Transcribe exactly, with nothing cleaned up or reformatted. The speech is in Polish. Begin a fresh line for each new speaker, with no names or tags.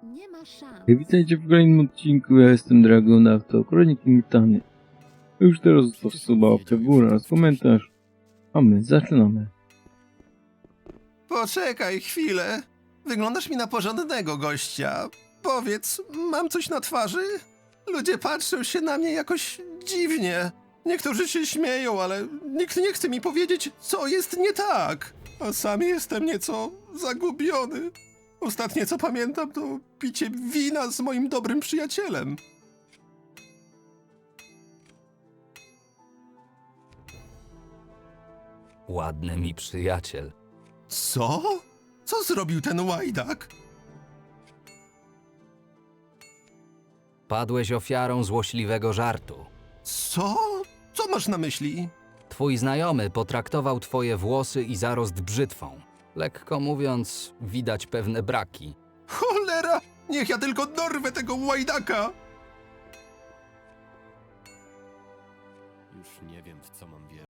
Nie ma szans.
Witajcie w kolejnym odcinku, ja jestem Dragonauta, Kroniki Mitany. Już teraz zostaw suba, łapkę w górę oraz komentarz, a my zaczynamy.
Poczekaj chwilę. Wyglądasz mi na porządnego gościa. Powiedz, mam coś na twarzy? Ludzie patrzą się na mnie jakoś dziwnie. Niektórzy się śmieją, ale nikt nie chce mi powiedzieć, co jest nie tak. A sam jestem nieco zagubiony. Ostatnie co pamiętam to picie wina z moim dobrym przyjacielem.
Ładny mi przyjaciel.
Co? Co zrobił ten łajdak?
Padłeś ofiarą złośliwego żartu.
Co? Co masz na myśli?
Twój znajomy potraktował twoje włosy i zarost brzytwą. Lekko mówiąc, widać pewne braki.
Cholera! Niech ja tylko dorwę tego łajdaka!
Już nie wiem, w co mam wierzyć.